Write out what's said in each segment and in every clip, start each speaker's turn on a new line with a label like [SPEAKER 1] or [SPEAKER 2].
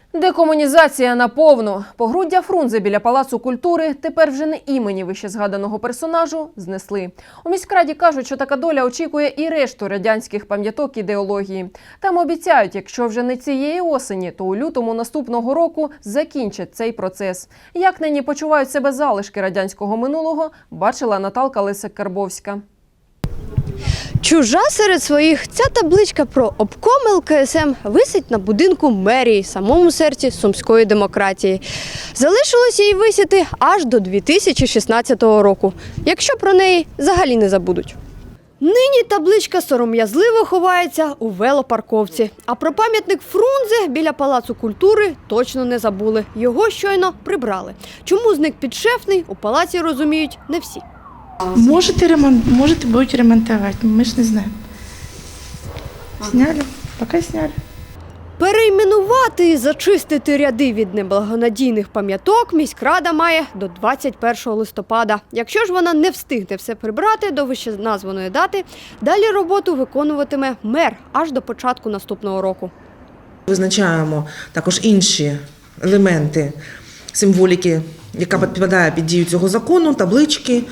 [SPEAKER 1] Декомунізація наповну. Погруддя Фрунзе біля Палацу культури тепер вже не імені вищезгаданого персонажу знесли. У міськраді кажуть, що така доля очікує і решту радянських пам'яток ідеології. Там обіцяють, якщо вже не цієї осені, то у лютому наступного року закінчать цей процес. Як нині почувають себе залишки радянського минулого, бачила Наталка Лисик-Карбовська.
[SPEAKER 2] Чужа серед своїх. Ця табличка про обком ЛКСМ висить на будинку мерії, самому серці сумської демократії. Залишилося її висіти аж до 2016 року, якщо про неї взагалі не забудуть. Нині табличка сором'язливо ховається у велопарковці. А про пам'ятник Фрунзе біля Палацу культури точно не забули. Його щойно прибрали. Чому зник підшефний, у палаці розуміють не всі.
[SPEAKER 3] Можете будуть ремонтувати, ми ж не знаємо. Сняли, поки сняли.
[SPEAKER 2] Перейменувати і зачистити ряди від неблагонадійних пам'яток міськрада має до 21 листопада. Якщо ж вона не встигне все прибрати до вищеназваної дати, далі роботу виконуватиме мер аж до початку наступного року.
[SPEAKER 4] Визначаємо також інші елементи символіки, яка підпадає під дію цього закону, таблички,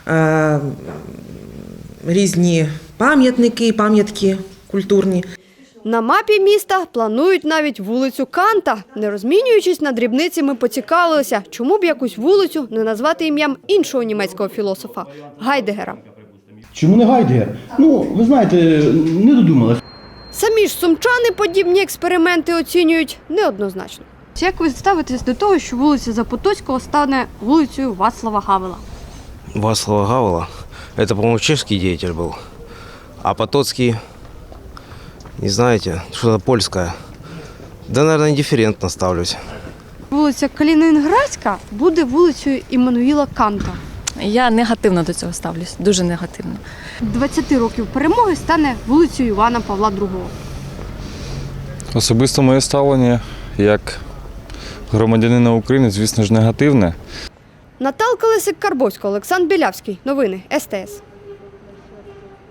[SPEAKER 4] різні пам'ятки культурні.
[SPEAKER 2] На мапі міста планують навіть вулицю Канта. Не розмінюючись на дрібниці, ми поцікавилися, чому б якусь вулицю не назвати ім'ям іншого німецького філософа – Гайдегера.
[SPEAKER 5] Чому не Гайдегер? Ви знаєте, не додумалась.
[SPEAKER 2] Самі ж сумчани подібні експерименти оцінюють неоднозначно. Як ви ставитесь до того, що вулиця Запотоцького стане вулицею Вацлава Гавела?
[SPEAKER 6] Вацлава Гавела? Это, по-моему, чешский деятель был. А Потоцкий, не знаете, что-то польское. Да, наверное, индифферентно ставлюсь.
[SPEAKER 2] Вулиця Калінінградська буде вулицею Іммануїла Канта.
[SPEAKER 7] Я негативно до цього ставлюсь, дуже негативно.
[SPEAKER 2] 20 років перемоги стане вулицею Івана Павла II.
[SPEAKER 8] Особисто моє ставлення як громадянина України, звісно ж, негативне.
[SPEAKER 2] Наталка Лисик-Карбовська, Олександр Білявський. Новини СТС.